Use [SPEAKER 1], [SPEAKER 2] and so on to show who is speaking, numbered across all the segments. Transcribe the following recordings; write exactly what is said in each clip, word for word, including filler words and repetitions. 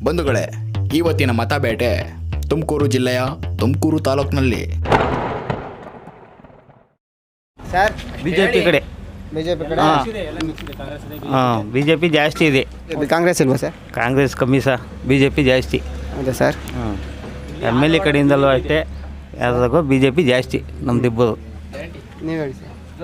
[SPEAKER 1] ಬಂಧುಗಳೇ, ಇವತ್ತಿನ ಮತಬೇಟೆ ತುಮಕೂರು ಜಿಲ್ಲೆಯ ತುಮಕೂರು ತಾಲೂಕಿನಲ್ಲಿ.
[SPEAKER 2] ಸರ್
[SPEAKER 3] ಬಿಜೆಪಿ ಕಡೆ
[SPEAKER 2] ಬಿಜೆಪಿ ಕಡೆ
[SPEAKER 3] ಹಾಂ ಬಿಜೆಪಿ ಜಾಸ್ತಿ ಇದೆ.
[SPEAKER 2] ಕಾಂಗ್ರೆಸ್ ಇಲ್ವಾ ಸರ್?
[SPEAKER 3] ಕಾಂಗ್ರೆಸ್ ಕಮ್ಮಿ ಸರ್, ಬಿಜೆಪಿ ಜಾಸ್ತಿ.
[SPEAKER 2] ಹೌದಾ ಸರ್?
[SPEAKER 3] ಹಾಂ ಎಮ್ ಎಲ್ ಎ ಕಡೆಯಿಂದಲೂ ಅಷ್ಟೇ, ಯಾವ್ದಾಗೋ ಬಿಜೆಪಿ ಜಾಸ್ತಿ ನಮ್ದಿಬ್ಬರು.
[SPEAKER 2] ನೀವು ಹೇಳಿ ಸರ್.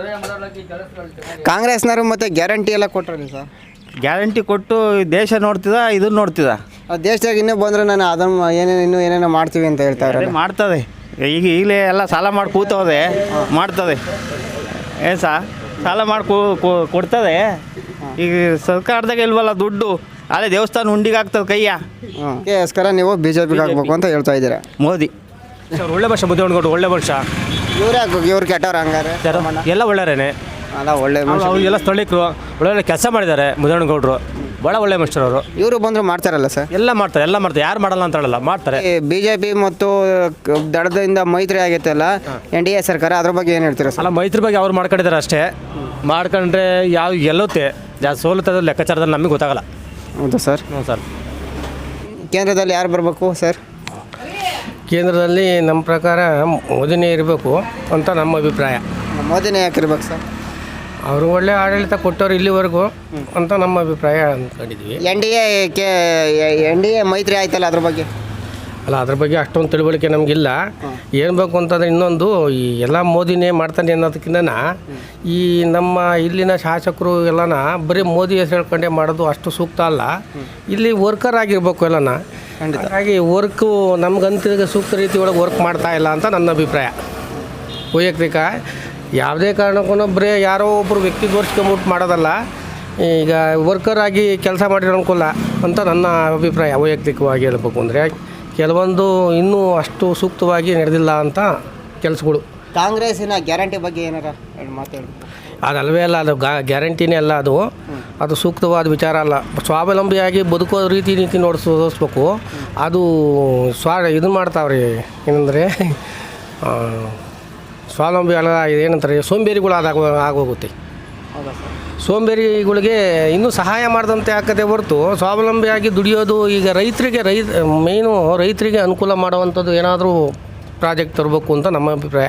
[SPEAKER 2] ಕಾಂಗ್ರೆಸ್ನವರು ಮತ್ತೆ ಗ್ಯಾರಂಟಿ ಎಲ್ಲ ಕೊಟ್ಟರಲ್ಲ ಸರ್?
[SPEAKER 3] ಗ್ಯಾರಂಟಿ ಕೊಟ್ಟು ದೇಶ ನೋಡ್ತಿದ ಇದನ್ನು ನೋಡ್ತಿದ.
[SPEAKER 2] ದೇಶದಾಗ ಇನ್ನೂ ಬಂದರೆ ನಾನು ಅದನ್ನು ಏನೇನು ಇನ್ನೂ ಏನೇನೋ ಮಾಡ್ತೀವಿ ಅಂತ ಹೇಳ್ತಾ ಇದ್ದಾರೆ.
[SPEAKER 3] ಮಾಡ್ತದೆ, ಈಗ ಈಗಲೇ ಎಲ್ಲ ಸಾಲ ಮಾಡಿ ಕೂತವ್ರೆ, ಮಾಡ್ತದೆ. ಏನು ಸಾ ಸಾಲ ಮಾಡಿ ಕೊಡ್ತದೆ. ಈಗ ಸರ್ಕಾರದಾಗ ಇಲ್ವಲ್ಲ ದುಡ್ಡು, ಅಲ್ಲೇ ದೇವಸ್ಥಾನ ಹುಂಡಿಗೆ ಆಗ್ತದೆ ಕೈಯ.
[SPEAKER 2] ಅದಕ್ಕೋಸ್ಕರ ನೀವು ಬಿ ಜೆ ಪಿಗೆ ಹಾಕ್ಬೇಕು ಅಂತ ಹೇಳ್ತಾ ಇದ್ದೀರಾ?
[SPEAKER 3] ಮೋದಿ
[SPEAKER 4] ಸರ್ ಒಳ್ಳೆ ಭಾಷೆ ಮುದ್ದೆಗೊಂಡು ಒಳ್ಳೆ ಭಾಷ.
[SPEAKER 2] ಇವ್ರು ಹಾಕ್ಬೇಕು, ಇವ್ರು ಕೆಟ್ಟವ್ರು ಹಂಗಾರೆ?
[SPEAKER 4] ಎಲ್ಲ ಒಳ್ಳೆಯರೇನೆ,
[SPEAKER 2] ಅಲ್ಲ ಒಳ್ಳೆ
[SPEAKER 4] ಎಲ್ಲ ಸ್ಥಳೀಕರು ಒಳ್ಳೆ ಕೆಲಸ ಮಾಡಿದ್ದಾರೆ. ಮುದ್ದೆಗೌಡರು ಭಾಳ ಒಳ್ಳೆ ಮನುಷ್ಯರು ಅವರು.
[SPEAKER 2] ಇವರು ಬಂದರು ಮಾಡ್ತಾರಲ್ಲ ಸರ್?
[SPEAKER 4] ಎಲ್ಲ ಮಾಡ್ತಾರೆ, ಎಲ್ಲ ಮಾಡ್ತಾರೆ, ಯಾರು ಮಾಡಲ್ಲ ಅಂತ ಹೇಳಲ್ಲ, ಮಾಡ್ತಾರೆ.
[SPEAKER 2] ಬಿ ಜೆ ಪಿ ಮತ್ತು ದಡದಿಂದ ಮೈತ್ರಿ ಆಗೈತಲ್ಲ ಎನ್ ಡಿ ಎ ಸರ್ಕಾರ, ಅದ್ರ ಬಗ್ಗೆ ಏನು ಹೇಳ್ತೀರಾ ಸರ್?
[SPEAKER 4] ಅಲ್ಲ, ಮೈತ್ರಿ ಬಗ್ಗೆ ಅವ್ರು ಮಾಡ್ಕೊಂಡಿದ್ದಾರೆ ಅಷ್ಟೇ. ಮಾಡ್ಕೊಂಡ್ರೆ ಯಾವ ಗೆಲ್ಲುತ್ತೆ ಜಾಸ್ತಿ ಸೋಲುತ್ತದೆ ಲೆಕ್ಕಾಚಾರದಲ್ಲಿ ನಮಗೆ ಗೊತ್ತಾಗಲ್ಲ.
[SPEAKER 2] ಹೌದಾ ಸರ್?
[SPEAKER 4] ಹ್ಞೂ ಸರ್.
[SPEAKER 2] ಕೇಂದ್ರದಲ್ಲಿ ಯಾರು ಬರಬೇಕು ಸರ್?
[SPEAKER 5] ಕೇಂದ್ರದಲ್ಲಿ ನಮ್ಮ ಪ್ರಕಾರ ಮೋದಿನೇ ಇರಬೇಕು ಅಂತ ನಮ್ಮ ಅಭಿಪ್ರಾಯ.
[SPEAKER 2] ಮೋದಿನೇ ಯಾಕಿರ್ಬೇಕು ಸರ್?
[SPEAKER 5] ಅವರು ಒಳ್ಳೆ ಆಡಳಿತ ಕೊಟ್ಟವ್ರು ಇಲ್ಲಿವರೆಗೂ ಅಂತ ನಮ್ಮ ಅಭಿಪ್ರಾಯ ಅಂದ್ಕೊಂಡಿದ್ವಿ.
[SPEAKER 2] ಎನ್ ಡಿ ಎ ಕೆ ಎನ್ ಡಿ ಎ ಮೈತ್ರಿ ಆಯ್ತಲ್ಲ, ಅದ್ರ ಬಗ್ಗೆ?
[SPEAKER 5] ಅಲ್ಲ, ಅದ್ರ ಬಗ್ಗೆ ಅಷ್ಟೊಂದು ತಿಳುವಳಿಕೆ ನಮಗಿಲ್ಲ. ಏನು ಬೇಕು ಅಂತಂದರೆ ಇನ್ನೊಂದು, ಈ ಎಲ್ಲ ಮೋದಿನೇ ಮಾಡ್ತಾನೆ ಅನ್ನೋದಕ್ಕಿಂತ ಈ ನಮ್ಮ ಇಲ್ಲಿನ ಶಾಸಕರು ಎಲ್ಲನ ಬರೀ ಮೋದಿ ಹೆಸರು ಹೇಳ್ಕೊಂಡೇ ಮಾಡೋದು ಅಷ್ಟು ಸೂಕ್ತ ಅಲ್ಲ. ಇಲ್ಲಿ ವರ್ಕರ್ ಆಗಿರ್ಬೇಕು ಎಲ್ಲನ. ಹಾಗಾಗಿ ವರ್ಕು ನಮ್ಗಂತ ಸೂಕ್ತ ರೀತಿ ಒಳಗೆ ವರ್ಕ್ ಮಾಡ್ತಾ ಇಲ್ಲ ಅಂತ ನನ್ನ ಅಭಿಪ್ರಾಯ ವೈಯಕ್ತಿಕ. ಯಾವುದೇ ಕಾರಣಕ್ಕೂ ಬರೀ ಯಾರೋ ಒಬ್ಬರು ವ್ಯಕ್ತಿ ತೋರಿಸ್ಕೊಂಬಿಟ್ಟು ಮಾಡೋದಲ್ಲ. ಈಗ ವರ್ಕರ್ ಆಗಿ ಕೆಲಸ ಮಾಡಿರೋ ಅನುಕೂಲ ಅಂತ ನನ್ನ ಅಭಿಪ್ರಾಯ ವೈಯಕ್ತಿಕವಾಗಿ ಹೇಳಬೇಕು ಅಂದರೆ. ಕೆಲವೊಂದು ಇನ್ನೂ ಅಷ್ಟು ಸೂಕ್ತವಾಗಿ ನಡೆದಿಲ್ಲ ಅಂತ ಕೆಲಸಗಳು.
[SPEAKER 2] ಕಾಂಗ್ರೆಸ್ಸಿನ ಗ್ಯಾರಂಟಿ ಬಗ್ಗೆ ಏನಾರ ಮಾತಾಡಿ?
[SPEAKER 5] ಅದಲ್ವೇ ಅಲ್ಲ, ಅದು ಗಾ ಗ್ಯಾರಂಟಿನೇ ಅಲ್ಲ. ಅದು ಅದು ಸೂಕ್ತವಾದ ವಿಚಾರ ಅಲ್ಲ. ಸ್ವಾವಲಂಬಿಯಾಗಿ ಬದುಕೋ ರೀತಿ ನೀತಿ ನೋಡಿಸ್ ತೋರಿಸ್ಬೇಕು. ಅದು ಸ್ವಾ ಇದು ಮಾಡ್ತಾವ್ರಿ, ಏನಂದರೆ ಸ್ವಾವಲಂಬಿ ಅಲ್ಲ, ಏನಂತಾರೆ, ಸೋಂಬೇರಿಗಳು ಆದಾಗ ಆಗೋಗುತ್ತೆ. ಸೋಂಬೇರಿಗಳಿಗೆ ಇನ್ನೂ ಸಹಾಯ ಮಾಡಿದಂತೆ ಆಗ್ತದೆ ಹೊರತು ಸ್ವಾವಲಂಬಿಯಾಗಿ ದುಡಿಯೋದು. ಈಗ ರೈತರಿಗೆ ರೈತ ಮೇಯ್ನು ರೈತರಿಗೆ ಅನುಕೂಲ ಮಾಡುವಂಥದ್ದು ಏನಾದರೂ ಪ್ರಾಜೆಕ್ಟ್ ತರಬೇಕು ಅಂತ ನಮ್ಮ ಅಭಿಪ್ರಾಯ.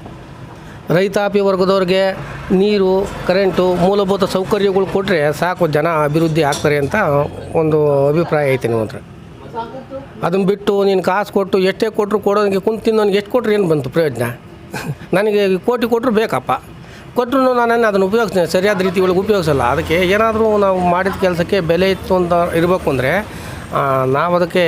[SPEAKER 5] ರೈತಾಪಿ ವರ್ಗದವ್ರಿಗೆ ನೀರು, ಕರೆಂಟು, ಮೂಲಭೂತ ಸೌಕರ್ಯಗಳು ಕೊಟ್ಟರೆ ಸಾಕು, ಜನ ಅಭಿವೃದ್ಧಿ ಆಗ್ತಾರೆ ಅಂತ ಒಂದು ಅಭಿಪ್ರಾಯ ಐತೆ ನಿಮ್ಮ ಹತ್ರ. ಅದನ್ನು ಬಿಟ್ಟು ನೀನು ಕಾಸು ಕೊಟ್ಟು ಎಷ್ಟೇ ಕೊಟ್ಟರು ಕೊಡೋನಿಗೆ ಕುಂತು ತಿನ್ನೋನಿಗೆ ಎಷ್ಟು ಕೊಟ್ಟರು ಏನು ಬಂತು ಪ್ರಯೋಜನ? ನನಗೆ ಕೋಟಿ ಕೊಟ್ಟರು ಬೇಕಪ್ಪ, ಕೊಟ್ಟರು ನಾನು ಅದನ್ನು ಉಪಯೋಗಿಸ್ತೀನಿ, ಸರಿಯಾದ ರೀತಿ ಒಳಗೆ ಉಪಯೋಗಿಸಲ್ಲ. ಅದಕ್ಕೆ ಏನಾದರೂ ನಾವು ಮಾಡಿದ ಕೆಲಸಕ್ಕೆ ಬೆಲೆ ಇತ್ತು ಅಂತ ಇರಬೇಕು ಅಂದರೆ ನಾವು ಅದಕ್ಕೆ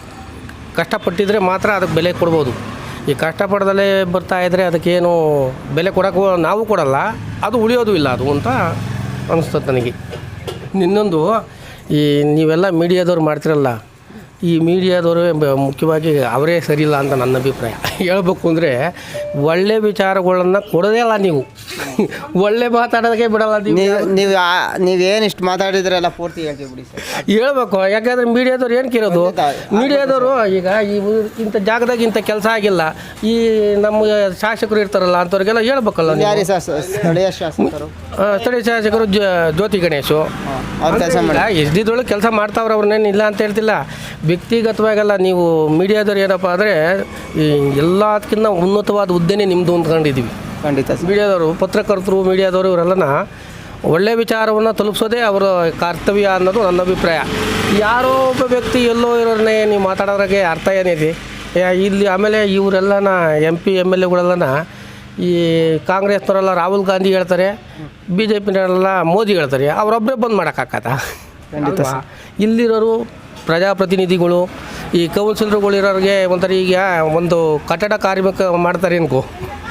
[SPEAKER 5] ಕಷ್ಟಪಟ್ಟಿದ್ರೆ ಮಾತ್ರ ಅದಕ್ಕೆ ಬೆಲೆ ಕೊಡ್ಬೋದು. ಈ ಕಷ್ಟಪಡ್ದಲೇ ಬರ್ತಾಯಿದ್ರೆ ಅದಕ್ಕೇನು ಬೆಲೆ ಕೊಡೋಕ್ಕೂ ನಾವು ಕೊಡಲ್ಲ, ಅದು ಉಳಿಯೋದು ಇಲ್ಲ ಅದು ಅಂತ ಅನಿಸ್ತದೆ ನನಗೆ. ಇನ್ನೊಂದು, ಈ ನೀವೆಲ್ಲ ಮೀಡಿಯಾದವ್ರು ಮಾಡ್ತಿರಲ್ಲ, ಈ ಮೀಡಿಯಾದವರು ಮುಖ್ಯವಾಗಿ ಅವರೇ ಸರಿಯಿಲ್ಲ ಅಂತ ನನ್ನ ಅಭಿಪ್ರಾಯ. ಹೇಳ್ಬೇಕು ಅಂದರೆ ಒಳ್ಳೆ ವಿಚಾರಗಳನ್ನು ಕೊಡೋದೇ ಅಲ್ಲ ನೀವು, ಒಳ್ಳೆ ಮಾತಾಡೋದಕ್ಕೆ ಬಿಡಲ್ಲ ನೀವು.
[SPEAKER 2] ನೀವು ನೀವೇನು ಇಷ್ಟು ಮಾತಾಡಿದ್ರೆಲ್ಲ ಪೂರ್ತಿ ಹೇಳ್ತೀವಿ ಬಿಡಿ ಸರ್.
[SPEAKER 5] ಹೇಳ್ಬೇಕು, ಯಾಕೆಂದರೆ ಮೀಡಿಯಾದವ್ರು ಏನು ಕಿರೋದು? ಮೀಡಿಯಾದವರು ಈಗ ಈ ಇಂಥ ಜಾಗದಾಗ ಇಂಥ ಕೆಲಸ ಆಗಿಲ್ಲ, ಈ ನಮ್ಮ ಶಾಸಕರು ಇರ್ತಾರಲ್ಲ ಅಂಥವ್ರಿಗೆಲ್ಲ ಹೇಳ್ಬೇಕಲ್ಲ.
[SPEAKER 2] ಯಾರು ಸ್ಥಳೀಯ ಶಾಸಕರು?
[SPEAKER 5] ಸ್ಥಳೀಯ ಶಾಸಕರು ಜ್ಯೋತಿ ಗಣೇಶು
[SPEAKER 2] ಅವ್ರು ಕೆಲಸ ಮಾಡಿ
[SPEAKER 5] ಎಸ್ಡಿದೊಳಗೆ ಕೆಲಸ ಮಾಡ್ತಾವ್ರು, ಅವ್ರನ್ನೇನು ಇಲ್ಲ ಅಂತ ಹೇಳ್ತಿಲ್ಲ. ವ್ಯಕ್ತಿಗತವಾಗಲ್ಲ, ನೀವು ಮೀಡಿಯಾದವ್ರು ಏನಪ್ಪ ಅಂದರೆ ಈ ಎಲ್ಲದಕ್ಕಿಂತ ಉನ್ನತವಾದ ಹುದ್ದೆನೇ ನಿಮ್ಮದು ಅಂದ್ಕೊಂಡಿದ್ದೀವಿ.
[SPEAKER 2] ಖಂಡಿತ
[SPEAKER 5] ಮೀಡಿಯಾದವರು, ಪತ್ರಕರ್ತರು, ಮೀಡಿಯಾದವರು ಇವರೆಲ್ಲನ ಒಳ್ಳೆಯ ವಿಚಾರವನ್ನು ತಲುಪಿಸೋದೇ ಅವರ ಕರ್ತವ್ಯ ಅನ್ನೋದು ನನ್ನ ಅಭಿಪ್ರಾಯ. ಯಾರೋ ಒಬ್ಬ ವ್ಯಕ್ತಿ ಎಲ್ಲೋ ಇರೋರನ್ನೇ ನೀವು ಮಾತಾಡೋದ್ರಾಗೆ ಅರ್ಥ ಏನಿದೆ ಇಲ್ಲಿ? ಆಮೇಲೆ ಇವರೆಲ್ಲನ ಎಂ ಪಿ ಎಮ್ ಎಲ್ ಎಗಳೆಲ್ಲನ ಈ ಕಾಂಗ್ರೆಸ್ನವರೆಲ್ಲ ರಾಹುಲ್ ಗಾಂಧಿ ಹೇಳ್ತಾರೆ, ಬಿ ಜೆ ಪಿನವರೆಲ್ಲ ಮೋದಿ ಹೇಳ್ತಾರೆ. ಅವರೊಬ್ಬರೇ ಬಂದು ಮಾಡೋಕ್ಕಾಗತ್ತಾ?
[SPEAKER 2] ಖಂಡಿತ.
[SPEAKER 5] ಇಲ್ಲಿರೋರು ಪ್ರಜಾಪ್ರತಿನಿಧಿಗಳು, ಈ ಕೌನ್ಸಿಲರ್ಗಳಿರೋರಿಗೆ ಒಂಥರ ಈಗ ಒಂದು ಕಟ್ಟಡ ಕಾರ್ಮಿಕ ಮಾಡ್ತಾರೆ ಅನ್ಕೋ,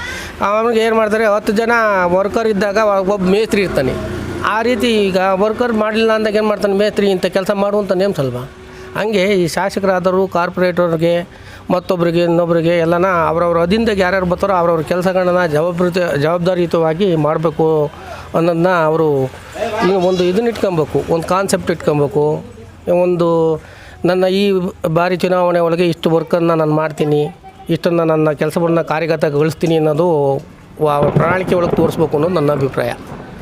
[SPEAKER 5] ಅವನಿಗೆ ಏನು ಮಾಡ್ತಾರೆ, ಹತ್ತು ಜನ ವರ್ಕರ್ ಇದ್ದಾಗ ಒಬ್ಬ ಮೇಸ್ತ್ರಿ ಇರ್ತಾನೆ. ಆ ರೀತಿ ಈಗ ವರ್ಕರ್ ಮಾಡಲಿಲ್ಲ ಅಂದಾಗ ಏನು ಮಾಡ್ತಾನೆ, ಮೇಸ್ತ್ರಿ ಇಂಥ ಕೆಲಸ ಮಾಡುವಂಥ ನೇಮ್ಸಲ್ವ? ಹಂಗೆ ಈ ಶಾಸಕರಾದರು ಕಾರ್ಪೊರೇಟರ್ಗೆ ಮತ್ತೊಬ್ಬರಿಗೆ ಇನ್ನೊಬ್ಬರಿಗೆ ಎಲ್ಲನ ಅವ್ರವ್ರ ಅಧೀನದಾಗ ಯಾರ್ಯಾರು ಬರ್ತಾರೋ ಅವ್ರವ್ರ ಕೆಲಸಗಳನ್ನ ಜವಾಬ್ದಾರಿ ಜವಾಬ್ದಾರಿಯುತವಾಗಿ ಮಾಡಬೇಕು ಅನ್ನೋದನ್ನ ಅವರು ಒಂದು ಇದನ್ನ ಇಟ್ಕೊಬೇಕು, ಒಂದು ಕಾನ್ಸೆಪ್ಟ್ ಇಟ್ಕೊಬೇಕು. ಒಂದು ನನ್ನ ಈ ಬಾರಿ ಚುನಾವಣೆ ಒಳಗೆ ಇಷ್ಟು ವರ್ಕನ್ನು ನಾನು ಮಾಡ್ತೀನಿ, ಇಷ್ಟನ್ನು ನನ್ನ ಕೆಲಸವನ್ನು ಕಾರ್ಯಗತಗೊಳಿಸ್ತೀನಿ ಅನ್ನೋದು ಪ್ರಣಾಳಿಕೆ ಒಳಗೆ ತೋರಿಸ್ಬೇಕು ಅನ್ನೋದು ನನ್ನ ಅಭಿಪ್ರಾಯ.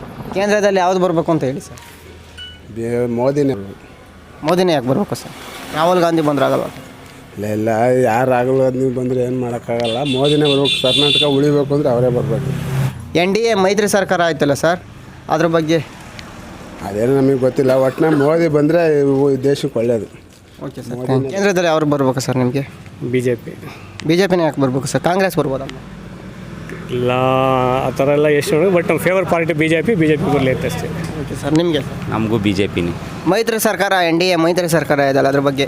[SPEAKER 2] ಕೇಂದ್ರದಲ್ಲಿ ಯಾವುದು ಬರಬೇಕು ಅಂತ ಹೇಳಿ ಸರ್?
[SPEAKER 6] ಮೋದಿನೇ
[SPEAKER 2] ಮೋದಿನೇ ಯಾಕೆ ಬರಬೇಕು ಸರ್? ರಾಹುಲ್ ಗಾಂಧಿ ಬಂದ್ರೆ ಆಗಲ್ಲ.
[SPEAKER 6] ಇಲ್ಲ ಇಲ್ಲ ಯಾರು ರಾಹುಲ್ ಗಾಂಧಿ ಬಂದರೆ ಏನು ಮಾಡೋಕ್ಕಾಗಲ್ಲ. ಮೋದಿನೇ ಬರ್ಬೇಕು. ಕರ್ನಾಟಕ ಉಳಿಬೇಕು ಅಂದರೆ ಅವರೇ ಬರಬೇಕು.
[SPEAKER 2] ಎನ್ ಡಿ ಎ ಮೈತ್ರಿ ಸರ್ಕಾರ ಆಯ್ತಲ್ಲ ಸರ್, ಅದ್ರ ಬಗ್ಗೆ
[SPEAKER 6] ಅದೇನು ನಮಗೆ ಗೊತ್ತಿಲ್ಲ. ಒಟ್ಟಿನ ಮೋದಿ ಬಂದರೆ ದೇಶಕ್ಕೆ ಒಳ್ಳೆಯದು.
[SPEAKER 2] Okay sir. ಕೇಂದ್ರದಲ್ಲಿ ಅವ್ರು ಬರ್ಬೇಕು ಸರ್ ನಿಮಗೆ?
[SPEAKER 7] B J P
[SPEAKER 2] B J ಪಿನೇ ಯಾಕೆ ಬರ್ಬೇಕು ಸರ್? ಕಾಂಗ್ರೆಸ್ ಬರ್ಬೋದಲ್ಲ?
[SPEAKER 7] ಇಲ್ಲ ಆ ಥರ ಎಲ್ಲ ಎಷ್ಟು ಬಟ್ ನಮ್ಮ favour party B J P B J P ಬರಲಿ ಅಂತ ಅಷ್ಟೇ.
[SPEAKER 2] Okay sir. ನಿಮಗೆ
[SPEAKER 8] ನಮಗೂ ಬಿ ಜೆ ಪಿನೇ.
[SPEAKER 2] ಮೈತ್ರಿ ಸರ್ಕಾರ, ಎನ್ ಡಿ ಎ ಮೈತ್ರಿ ಸರ್ಕಾರ ಇದೆಯಲ್ಲ, ಅದ್ರ ಬಗ್ಗೆ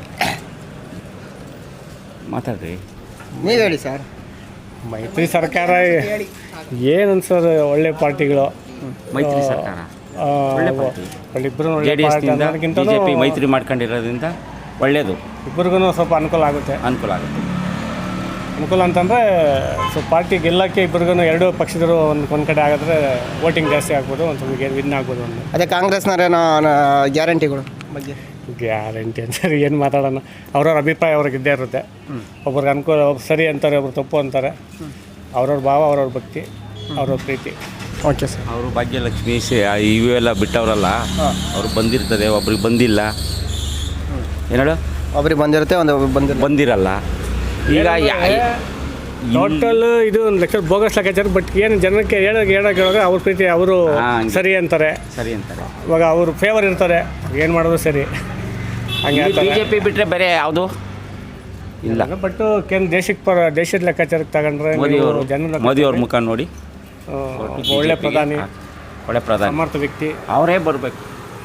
[SPEAKER 8] ಮಾತಾಡ್ರಿ.
[SPEAKER 2] ನೀವು ಹೇಳಿ ಸರ್.
[SPEAKER 7] ಮೈತ್ರಿ ಸರ್ಕಾರ ಏನು ಅನ್ಸೋದು, ಒಳ್ಳೆ ಪಾರ್ಟಿಗಳು
[SPEAKER 8] ಮೈತ್ರಿ ಸರ್ಕಾರ
[SPEAKER 7] ಇಬ್ಬರು
[SPEAKER 8] ಜೆ ಡಿ ಎಸ್ನಿಂದ ಬಿ ಜೆ ಪಿ ಮೈತ್ರಿ ಮಾಡ್ಕೊಂಡಿರೋದ್ರಿಂದ ಒಳ್ಳೆಯದು.
[SPEAKER 7] ಇಬ್ಬರಿಗೂ ಸ್ವಲ್ಪ ಅನುಕೂಲ ಆಗುತ್ತೆ.
[SPEAKER 8] ಅನುಕೂಲ ಆಗುತ್ತೆ.
[SPEAKER 7] ಅನುಕೂಲ ಅಂತಂದರೆ ಸ್ವಲ್ಪ ಪಾರ್ಟಿ ಗೆಲ್ಲಕ್ಕೆ ಇಬ್ಬರಿಗೂ ಎರಡು ಪಕ್ಷದರು ಒಂದು ಒಂದು ಕಡೆ ಆಗಿದ್ರೆ ವೋಟಿಂಗ್ ಜಾಸ್ತಿ ಆಗ್ಬೋದು, ಒಂದು ಸ್ವಲ್ಪ ವಿನ್ ಆಗ್ಬೋದು. ಒಂದು
[SPEAKER 2] ಅದೇ ಕಾಂಗ್ರೆಸ್ನವರೇನೋ ಗ್ಯಾರಂಟಿಗಳು ಬಗ್ಗೆ
[SPEAKER 7] ಗ್ಯಾರಂಟಿ ಅಂತಾರೆ ಏನು ಮಾತಾಡೋಣ. ಅವ್ರವ್ರ ಅಭಿಪ್ರಾಯ ಅವ್ರಿಗೆ ಇದ್ದೇ ಇರುತ್ತೆ. ಒಬ್ರಿಗೆ ಅನುಕೂಲ, ಒಬ್ರು ಸರಿ ಅಂತಾರೆ, ಒಬ್ರು ತಪ್ಪು ಅಂತಾರೆ. ಅವ್ರವ್ರ ಭಾವ, ಅವ್ರವ್ರ ಭಕ್ತಿ, ಅವ್ರವ್ರ ಪ್ರೀತಿ.
[SPEAKER 2] Okay sir.
[SPEAKER 8] ಅವರು ಭಾಗ್ಯಲಕ್ಷ್ಮಿ ಇವು ಎಲ್ಲ ಬಿಟ್ಟವರಲ್ಲ, ಅವ್ರು ಬಂದಿರ್ತದೆ, ಒಬ್ರಿಗೆ ಬಂದಿಲ್ಲ. ಏನೇಳು
[SPEAKER 2] ಒಬ್ರಿಗೆ ಬಂದಿರುತ್ತೆ, ಒಂದು ಬಂದಿಲ್ಲ
[SPEAKER 8] ಬಂದಿರಲ್ಲ. ಈಗ
[SPEAKER 7] ಟೋಟಲ್ ಇದು ಒಂದು ಲೆಕ್ಕ ಬೋಗಸ್ ಲೆಕ್ಕಾಚಾರ. ಬಟ್ ಏನು ಜನಕ್ಕೆ ಹೇಳೋಕೆ ಹೇಳೋಕೆ ಹೇಳೋಕೆ ಅವ್ರ ಪ್ರೀತಿ, ಅವರು ಸರಿ ಅಂತಾರೆ
[SPEAKER 8] ಸರಿ ಅಂತಾರೆ.
[SPEAKER 7] ಇವಾಗ ಅವರು ಫೇವರ್ ಇರ್ತಾರೆ, ಏನು ಮಾಡೋದು ಸರಿ ಹಂಗೆ
[SPEAKER 8] ಬಿ ಜೆ ಪಿ ಬಿಟ್ಟರೆ ಬೇರೆ ಯಾವುದು ಇಲ್ಲ.
[SPEAKER 7] ಬಟ್ ಕೇಂದ್ರ ದೇಶಕ್ಕೆ ಪರ ದೇಶದ ಲೆಕ್ಕಾಚಾರಕ್ಕೆ ತಗೊಂಡ್ರೆ
[SPEAKER 8] ಮೋದಿಯವರು
[SPEAKER 7] ಜನ
[SPEAKER 8] ಮೋದಿಯವ್ರ ಮುಖ ನೋಡಿ,
[SPEAKER 7] ಒಳ್ಳೆ ಪ್ರಧಾನಿ,
[SPEAKER 8] ಒಳ್ಳೆ ಪ್ರಧಾನಿ,
[SPEAKER 7] ಸಮರ್ಥ ವ್ಯಕ್ತಿ,
[SPEAKER 8] ಅವರೇ ಬರಬೇಕು.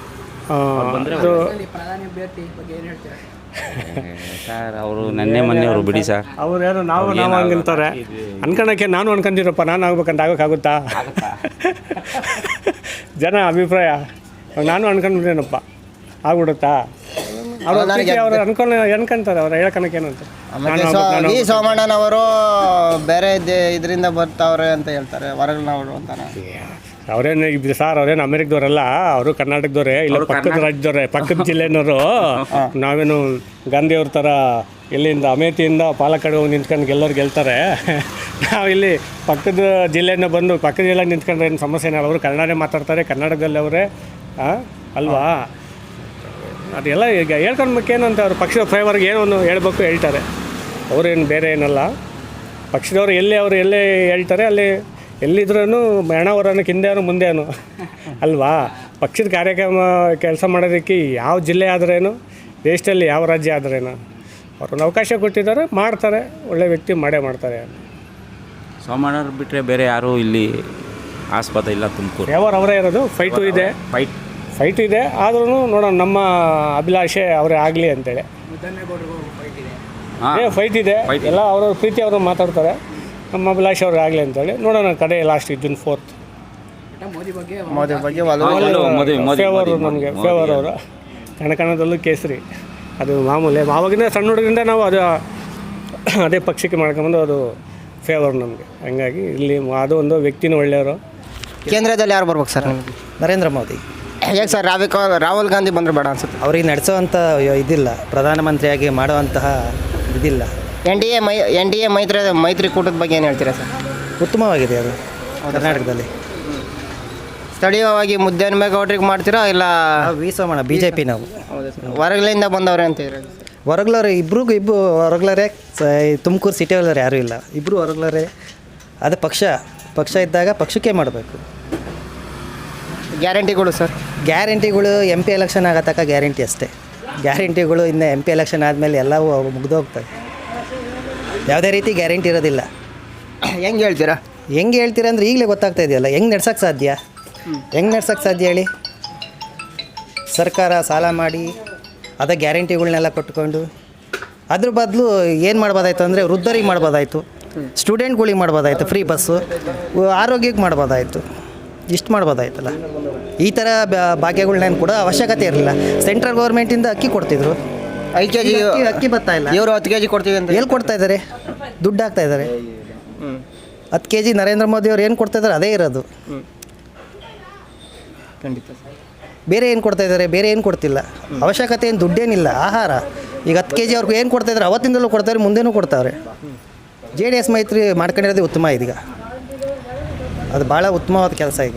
[SPEAKER 8] ಸರ್ ಅವರು ನೆನ್ನೆ ಮೊನ್ನೆ ಅವರು ಬಿಡಿ ಸರ್.
[SPEAKER 7] ಅವ್ರೇನು ನಾವು ನಾವು ಹಂಗಂತಾರೆ ಅನ್ಕೊಳಕ್ಕೆ. ನಾನು ಅನ್ಕೊಂತೀರಪ್ಪ, ನಾನು ಆಗ್ಬೇಕಂತ ಆಗೋಕ್ಕಾಗುತ್ತಾ? ಜನ ಅಭಿಪ್ರಾಯ ನಾನು ಅನ್ಕೊಂಡ್ಬಿಟ್ಟೇನಪ್ಪ, ಆಗ್ಬಿಡುತ್ತಾ? ಅವ್ರು ಅವ್ರು ಅನ್ಕೊಂಡು ಅನ್ಕೊಂತಾರೆ, ಅವ್ರು ಹೇಳ್ಕೊಳಕ್ಕೆ ಏನಂತ.
[SPEAKER 2] ವಿ ಸೋಮಣ್ಣನವರು ಬೇರೆ ಇದರಿಂದ ಬರ್ತಾವ್ರೆ ಅಂತ ಹೇಳ್ತಾರೆ, ಹೊರಗಿನವರು ಅಂತಾನೆ.
[SPEAKER 7] ಅವರೇನು ಇದು ಸರ್, ಅವ್ರೇನು ಅಮೆರಿಕದವರಲ್ಲ, ಅವರು ಕರ್ನಾಟಕದವರೇ, ಇಲ್ಲ ಪಕ್ಕದ ರಾಜ್ಯದವರೇ, ಪಕ್ಕದ ಜಿಲ್ಲೆನವರು. ನಾವೇನು ಗಾಂಧಿಯವ್ರ ಥರ ಇಲ್ಲಿಂದ ಅಮೇಥಿಯಿಂದ ಪಾಲಕ್ಕಾಡ್ ಹೋಗಿ ನಿಂತ್ಕೊಂಡು ಗೆಲ್ಲೋರು ಗೆಲ್ತಾರೆ. ನಾವು ಇಲ್ಲಿ ಪಕ್ಕದ ಜಿಲ್ಲೆಯಿಂದ ಬಂದು ಪಕ್ಕದ ಜಿಲ್ಲೆ ನಿಂತ್ಕೊಂಡ್ರೆ ಏನು ಸಮಸ್ಯೆ ಏನಿಲ್ಲ. ಅವರು ಕನ್ನಡನೇ ಮಾತಾಡ್ತಾರೆ, ಕರ್ನಾಟಕದಲ್ಲಿ ಅವರೇ ಅಲ್ವಾ? ಅದೆಲ್ಲ ಈಗ ಹೇಳ್ಕೊಂಡ್ಬೇಕೇನು ಅಂತ ಅವ್ರು ಪಕ್ಷದ ಫೇವರ್ಗೆ ಏನೋ ಒಂದು ಹೇಳ್ಬೇಕು, ಹೇಳ್ತಾರೆ. ಅವರೇನು ಬೇರೆ ಏನಲ್ಲ. ಪಕ್ಷದವ್ರು ಎಲ್ಲಿ ಅವರು ಎಲ್ಲೇ ಹೇಳ್ತಾರೆ, ಅಲ್ಲಿ ಎಲ್ಲಿದ್ರೂ ಹೆಣವರನ್ನು ಹಿಂದೇನು ಮುಂದೇನು ಅಲ್ವಾ? ಪಕ್ಷದ ಕಾರ್ಯಕ್ರಮ ಕೆಲಸ ಮಾಡೋದಕ್ಕೆ ಯಾವ ಜಿಲ್ಲೆ ಆದ್ರೇನು, ದೇಶದಲ್ಲಿ ಯಾವ ರಾಜ್ಯ ಆದ್ರೇನು, ಅವ್ರನ್ನ ಅವಕಾಶ ಕೊಟ್ಟಿದ್ದಾರೆ, ಮಾಡ್ತಾರೆ. ಒಳ್ಳೆ ವ್ಯಕ್ತಿ ಮಾಡೇ ಮಾಡ್ತಾರೆ.
[SPEAKER 8] ಸೋಮಣ್ಣವ್ರು ಬಿಟ್ಟರೆ ಬೇರೆ ಯಾರೂ ಇಲ್ಲಿ ಆಸ್ಪತ್ರೆ ಇಲ್ಲ ತುಮಕೂರು.
[SPEAKER 7] ಯಾವಾಗ ಅವರೇ ಇರೋದು. ಫೈಟು ಇದೆ,
[SPEAKER 8] ಫೈಟ್
[SPEAKER 7] ಫೈಟ್ ಇದೆ. ಆದ್ರೂ ನೋಡೋಣ, ನಮ್ಮ ಅಭಿಲಾಷೆ ಅವರೇ ಆಗಲಿ ಅಂತೇಳಿ. ಏ ಫೈಟ್ ಇದೆ, ಎಲ್ಲ ಅವ್ರವ್ರ ಪ್ರೀತಿ ಅವರು ಮಾತಾಡ್ತಾರೆ. ನಮ್ಮ ಅಭಿಲಾಷೆ ಅವ್ರಿಗೆ ಆಗಲಿ ಅಂತೇಳಿ ನೋಡೋಣ. ಕಡೆ ಲಾಸ್ಟ್ ಜೂನ್ ಫೋರ್ತ್
[SPEAKER 2] ಮೋದಿ ಬಗ್ಗೆ
[SPEAKER 7] ಫೇವರ್ ನಮಗೆ, ಫೇವರ್ ಅವರು. ಕಣಕಣದಲ್ಲೂ ಕೇಸರಿ, ಅದು ಮಾಮೂಲಿ. ಆವಾಗಿಂದ ಸಣ್ಣ ಹುಡುಗರಿಂದ ನಾವು ಅದು ಅದೇ ಪಕ್ಷಕ್ಕೆ ಮಾಡ್ಕೊಂಬಂದು ಅದು ಫೇವರ್ ನಮಗೆ. ಹಂಗಾಗಿ ಇಲ್ಲಿ ಅದು ಒಂದು ವ್ಯಕ್ತಿನೂ ಒಳ್ಳೆಯವರು.
[SPEAKER 2] ಕೇಂದ್ರದಲ್ಲಿ ಯಾರು ಬರ್ಬೇಕು ಸರ್ ನಿಮಗೆ?
[SPEAKER 9] ನರೇಂದ್ರ ಮೋದಿ.
[SPEAKER 2] ಹೇಗೆ ಸರ್? ರಾವಿಕ ರಾಹುಲ್ ಗಾಂಧಿ ಬಂದರೆ ಬೇಡ ಅನ್ಸುತ್ತೆ.
[SPEAKER 9] ಅವ್ರಿಗೆ ನಡೆಸೋವಂಥ ಇದಿಲ್ಲ, ಪ್ರಧಾನಮಂತ್ರಿಯಾಗಿ ಮಾಡುವಂತಹ ಇದಿಲ್ಲ.
[SPEAKER 2] ಎನ್ ಡಿ ಎ ಮೈ ಎನ್ ಡಿ ಎ ಮೈತ್ರಿ ಮೈತ್ರಿಕೂಟದ ಬಗ್ಗೆ ಏನು ಹೇಳ್ತೀರಾ ಸರ್?
[SPEAKER 9] ಉತ್ತಮವಾಗಿದೆ ಅದು ಕರ್ನಾಟಕದಲ್ಲಿ.
[SPEAKER 2] ಸ್ಥಳೀಯವಾಗಿ ಮುದ್ದೆನಮೇಗೌಡ್ರಿಗೆ ಮಾಡ್ತೀರಾ ಇಲ್ಲ
[SPEAKER 9] V Somanna B J P? ನಾವು
[SPEAKER 2] ಹೊರಗಲಿಂದ ಬಂದವ್ರೆ ಅಂತ ಹೇಳಿ.
[SPEAKER 9] ಹೊರಗ್ಲವ್ರೆ, ಇಬ್ರಿಗೂ ಇಬ್ಬರು ಹೊರಗ್ಲರೇ. ತುಮಕೂರು ಸಿಟಿ ಒಳಗಡೆ ಯಾರೂ ಇಲ್ಲ, ಇಬ್ಬರು ಹೊರಗ್ಲರೇ. ಅದು ಪಕ್ಷ ಪಕ್ಷ ಇದ್ದಾಗ ಪಕ್ಷಕ್ಕೆ ಮಾಡಬೇಕು.
[SPEAKER 2] ಗ್ಯಾರಂಟಿಗಳು ಸರ್?
[SPEAKER 9] ಗ್ಯಾರಂಟಿಗಳು ಎಮ್ ಪಿ ಎಲೆಕ್ಷನ್ ಆಗೋ ತನಕ ಗ್ಯಾರಂಟಿ ಅಷ್ಟೇ. ಗ್ಯಾರಂಟಿಗಳು ಇನ್ನು ಎಮ್ ಪಿ ಎಲೆಕ್ಷನ್ ಆದಮೇಲೆ ಎಲ್ಲವೂ ಮುಗ್ದೋಗ್ತವೆ. ಯಾವುದೇ ರೀತಿ ಗ್ಯಾರಂಟಿ ಇರೋದಿಲ್ಲ.
[SPEAKER 2] ಹೆಂಗೆ ಹೇಳ್ತೀರಾ?
[SPEAKER 9] ಹೆಂಗೆ ಹೇಳ್ತೀರಾ ಅಂದರೆ ಈಗಲೇ ಗೊತ್ತಾಗ್ತಾ ಇದೆಯಲ್ಲ. ಹೆಂಗೆ ನಡ್ಸೋಕ್ಕೆ ಸಾಧ್ಯ? ಹೆಂಗೆ ನಡ್ಸೋಕ್ಕೆ ಸಾಧ್ಯ ಹೇಳಿ? ಸರ್ಕಾರ ಸಾಲ ಮಾಡಿ ಅದೇ ಗ್ಯಾರಂಟಿಗಳನ್ನೆಲ್ಲ ಕೊಟ್ಕೊಂಡು ಅದ್ರ ಬದಲು ಏನು ಮಾಡ್ಬೋದಾಯ್ತು ಅಂದರೆ ವೃದ್ಧರಿಗೆ ಮಾಡ್ಬೋದಾಯಿತು, ಸ್ಟೂಡೆಂಟ್ಗಳಿಗೆ ಮಾಡ್ಬೋದಾಯಿತು, ಫ್ರೀ ಬಸ್ಸು, ಆರೋಗ್ಯಕ್ಕೆ ಮಾಡ್ಬೋದಾಯಿತು, ಇಷ್ಟು ಮಾಡ್ಬೋದಾಯ್ತಲ್ಲ. ಈ ಥರ ಭಾಗ್ಯಗಳನ್ನೇನು ಕೂಡ ಅವಶ್ಯಕತೆ ಇರಲಿಲ್ಲ. ಸೆಂಟ್ರಲ್ ಗೌರ್ಮೆಂಟಿಂದ ಅಕ್ಕಿ ಕೊಡ್ತಿದ್ರು,
[SPEAKER 2] ಐದು ಕೆ ಜಿ
[SPEAKER 9] ಅಕ್ಕಿ ಬರ್ತಾ ಇಲ್ಲ.
[SPEAKER 2] ಇವರು ಹತ್ತು ಕೆ ಜಿ ಕೊಡ್ತೀವಿ ಅಂತ
[SPEAKER 9] ಎಲ್ಲಿ ಕೊಡ್ತಾ ಇದ್ದಾರೆ? ದುಡ್ಡು ಹಾಕ್ತಾ ಇದ್ದಾರೆ. ಹತ್ತು ಕೆ ಜಿ ನರೇಂದ್ರ ಮೋದಿ ಅವ್ರು ಏನು ಕೊಡ್ತಾ ಇದ್ದಾರೆ ಅದೇ ಇರೋದು.
[SPEAKER 2] ಖಂಡಿತ.
[SPEAKER 9] ಬೇರೆ ಏನು ಕೊಡ್ತಾ ಇದ್ದಾರೆ? ಬೇರೆ ಏನು ಕೊಡ್ತಿಲ್ಲ. ಅವಶ್ಯಕತೆ ಏನು ದುಡ್ಡೇನಿಲ್ಲ. ಆಹಾರ ಈಗ ಹತ್ತು ಕೆ ಜಿ ಅವ್ರಿಗೆ ಏನು ಕೊಡ್ತಾ ಇದ್ದಾರೆ ಅವತ್ತಿಂದಲೂ ಕೊಡ್ತಾರೆ, ಮುಂದೆನೂ ಕೊಡ್ತಾವ್ರೆ. ಜೆ ಡಿ ಎಸ್ ಮೈತ್ರಿ ಮಾಡ್ಕೊಂಡಿರೋದೇ ಉತ್ತಮ ಇದೀಗ. ಅದು ಭಾಳ ಉತ್ತಮವಾದ ಕೆಲಸ ಈಗ.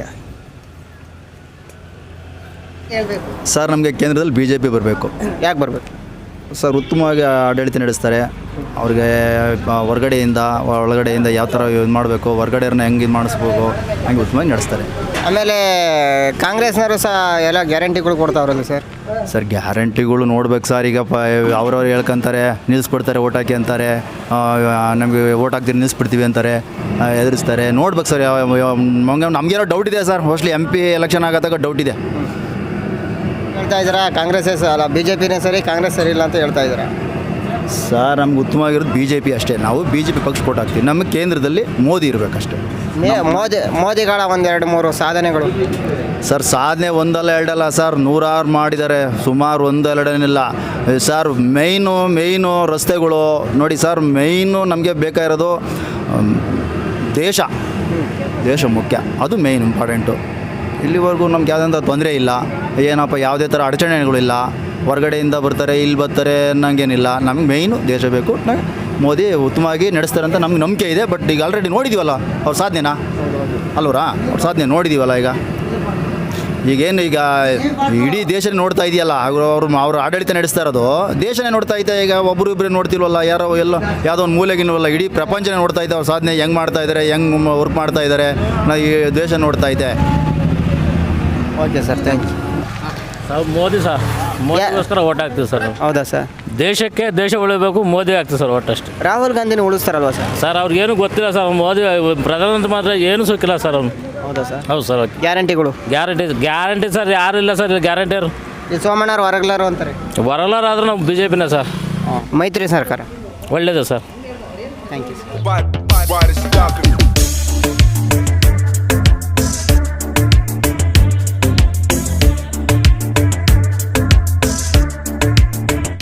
[SPEAKER 1] ಸರ್ ನಮಗೆ ಕೇಂದ್ರದಲ್ಲಿ ಬಿ ಜೆ ಪಿ ಬರಬೇಕು.
[SPEAKER 2] ಯಾಕೆ ಬರಬೇಕು?
[SPEAKER 10] ಸರ್ ಉತ್ತಮವಾಗಿ ಆಡಳಿತ ನಡೆಸ್ತಾರೆ. ಅವ್ರಿಗೆ ಆ, ಹೊರ್ಗಡೆಯಿಂದ ಒಳಗಡೆಯಿಂದ ಯಾವ ಥರ ಇದು ಮಾಡಬೇಕು, ಹೊರ್ಗಡೆಯವ್ರನ್ನ ಹೆಂಗೆ ಇದು ಮಾಡಿಸ್ಬೇಕು, ಹಂಗೆ ಉತ್ತಮವಾಗಿ ನಡೆಸ್ತಾರೆ.
[SPEAKER 2] ಆಮೇಲೆ ಕಾಂಗ್ರೆಸ್ನವರು ಸಹ ಎಲ್ಲ ಗ್ಯಾರಂಟಿಗಳು ಕೊಡ್ತಾವ್ರಲ್ಲ ಸರ್.
[SPEAKER 10] ಸರ್ ಗ್ಯಾರಂಟಿಗಳು ನೋಡ್ಬೇಕು ಸರ್. ಈಗ ಪ ಅವ್ರವ್ರು ಹೇಳ್ಕೊಂತಾರೆ, ನಿಲ್ಲಿಸ್ಬಿಡ್ತಾರೆ, ಓಟ್ ಹಾಕಿ ಅಂತಾರೆ, ನಮಗೆ ಓಟ್ ಹಾಕ್ತೀರಿ ನಿಲ್ಲಿಸ್ಬಿಡ್ತೀವಿ ಅಂತಾರೆ, ಎದುರಿಸ್ತಾರೆ. ನೋಡ್ಬೇಕು ಸರ್. ನಮಗೆ ನಮಗೇನೋ ಡೌಟ್ ಇದೆ sir. Mostly M P election ಆಗೋದಾಗ ಡೌಟ್ ಇದೆ.
[SPEAKER 2] ಹೇಳ್ತಾ ಇದ್ದೀರಾ ಕಾಂಗ್ರೆಸ್ಸೇ ಸ ಅಲ್ಲ ಬಿ ಜೆ ಪಿನೇ ಸರಿ, ಕಾಂಗ್ರೆಸ್ ಸರಿ ಇಲ್ಲ ಅಂತ ಹೇಳ್ತಾ ಇದ್ದೀರಾ?
[SPEAKER 10] ಸರ್ ನಮ್ಗೆ ಉತ್ತಮವಾಗಿರೋದು ಬಿ ಜೆ ಪಿ ಅಷ್ಟೇ. ನಾವು ಬಿ ಜೆ ಪಿ ಪಕ್ಷ ಓಟ್ ಹಾಕ್ತೀವಿ. ನಮ್ಮ ಕೇಂದ್ರದಲ್ಲಿ ಮೋದಿ ಇರಬೇಕಷ್ಟೇ.
[SPEAKER 2] ಮೇ ಮೋದಿ ಮೋದಿಗಳ ಒಂದೆರಡು ಮೂರು ಸಾಧನೆಗಳು
[SPEAKER 10] ಸರ್ ಸಾಧನೆ ಒಂದಲ್ಲ ಎರಡಲ್ಲ ಸರ್, ನೂರಾರು ಮಾಡಿದ್ದಾರೆ. ಸುಮಾರು ಒಂದು ಎರಡೇನಿಲ್ಲ ಸರ್. ಮೇಯ್ನು ಮೇಯ್ನು ರಸ್ತೆಗಳು ನೋಡಿ ಸರ್. ಮೇಯ್ನು ನಮಗೆ ಬೇಕಾಗಿರೋದು ದೇಶ ದೇಶ ಮುಖ್ಯ, ಅದು ಮೇಯ್ನ್ ಇಂಪಾರ್ಟೆಂಟು. ಇಲ್ಲಿವರೆಗೂ ನಮ್ಗೆ ಯಾವುದಂತ ತೊಂದರೆ ಇಲ್ಲ. ಏನಪ್ಪ ಯಾವುದೇ ಥರ ಅಡಚಣೆಗಳಿಲ್ಲ. ಹೊರಗಡೆಯಿಂದ ಬರ್ತಾರೆ, ಇಲ್ಲಿ ಬರ್ತಾರೆ ಅನ್ನಂಗೇನಿಲ್ಲ. ನಮ್ಗೆ ಮೇಯ್ನು ದೇಶ ಬೇಕು. ಮೋದಿ ಉತ್ತಮವಾಗಿ ನಡೆಸ್ತಾರೆ ಅಂತ ನಮ್ಗೆ ನಂಬಿಕೆ ಇದೆ. ಬಟ್ ಈಗ ಆಲ್ರೆಡಿ ನೋಡಿದ್ದೀವಲ್ಲ ಅವ್ರ ಸಾಧನೆನಾ ಅಲ್ವರಾ? ಅವ್ರ ಸಾಧನೆ ನೋಡಿದ್ದೀವಲ್ಲ. ಈಗ ಈಗೇನು ಈಗ ಇಡೀ ದೇಶನೇ ನೋಡ್ತಾ ಇದೆಯಲ್ಲ. ಅವರು ಅವರು ಅವ್ರ ಆಡಳಿತ ನಡೆಸ್ತಾ ಇರೋದು ದೇಶನೇ ನೋಡ್ತಾ ಐತೆ. ಈಗ ಒಬ್ಬರು ಇಬ್ಬರೇ ನೋಡ್ತಿಲ್ವಲ್ಲ, ಯಾರೋ ಎಲ್ಲೋ ಯಾವುದೋ ಒಂದು ಮೂಲೆಗಿಲ್ವಲ್ಲ. ಇಡೀ ಪ್ರಪಂಚನೇ ನೋಡ್ತಾ ಐತೆ ಅವ್ರ ಸಾಧನೆ ಹೆಂಗೆ ಮಾಡ್ತಾ ಇದ್ದಾರೆ, ಹೆಂಗೆ ವರ್ಕ್ ಮಾಡ್ತಾ ಇದ್ದಾರೆ. ನಾ ಈ ದೇಶ ನೋಡ್ತಾ ಐತೆ.
[SPEAKER 2] Okay sir, thank you.
[SPEAKER 4] Sir Modi sir, ಮೋದಿಗೋಸ್ಕರ ಓಟ್ ಹಾಕ್ತೀವಿ ಸರ್.
[SPEAKER 2] ಹೌದಾ ಸರ್?
[SPEAKER 4] ದೇಶಕ್ಕೆ ದೇಶ ಉಳಿಬೇಕು, ಮೋದಿ ಆಗ್ತೀವಿ ಸರ್ ಒಟ್ಟಷ್ಟೇ.
[SPEAKER 2] ರಾಹುಲ್ ಗಾಂಧಿನ ಉಳಿಸ್ತಾರಲ್ವಾ ಸರ್?
[SPEAKER 4] ಸರ್ ಅವ್ರಿಗೇನು ಗೊತ್ತಿಲ್ಲ ಸರ್. ಮೋದಿ ಪ್ರಧಾನಮಂತ್ರಿ ಮಾತ್ರ ಏನು ಸಿಕ್ಕಿಲ್ಲ ಸರ್ ಅವ್ನು.
[SPEAKER 2] ಹೌದಾ ಸರ್?
[SPEAKER 4] ಹೌದು ಸರ್.
[SPEAKER 2] ಗ್ಯಾರಂಟಿಗಳು
[SPEAKER 4] ಗ್ಯಾರಂಟಿ ಗ್ಯಾರಂಟಿ ಸರ್ ಯಾರು ಇಲ್ಲ ಸರ್ ಗ್ಯಾರಂಟಿಯರು.
[SPEAKER 2] ಈ ಸೋಮಣ್ಣವ್ರು ಹೊರಗ್ಲಾರು ಅಂತಾರೆ.
[SPEAKER 4] ಬರಲಾರ ಆದ್ರೆ ನಾವು ಬಿ ಜೆ ಪಿನೇ ಸರ್.
[SPEAKER 2] ಮೈತ್ರಿ ಸರ್ಕಾರ
[SPEAKER 4] ಒಳ್ಳೇದು ಸರ್.
[SPEAKER 2] Thank you sir.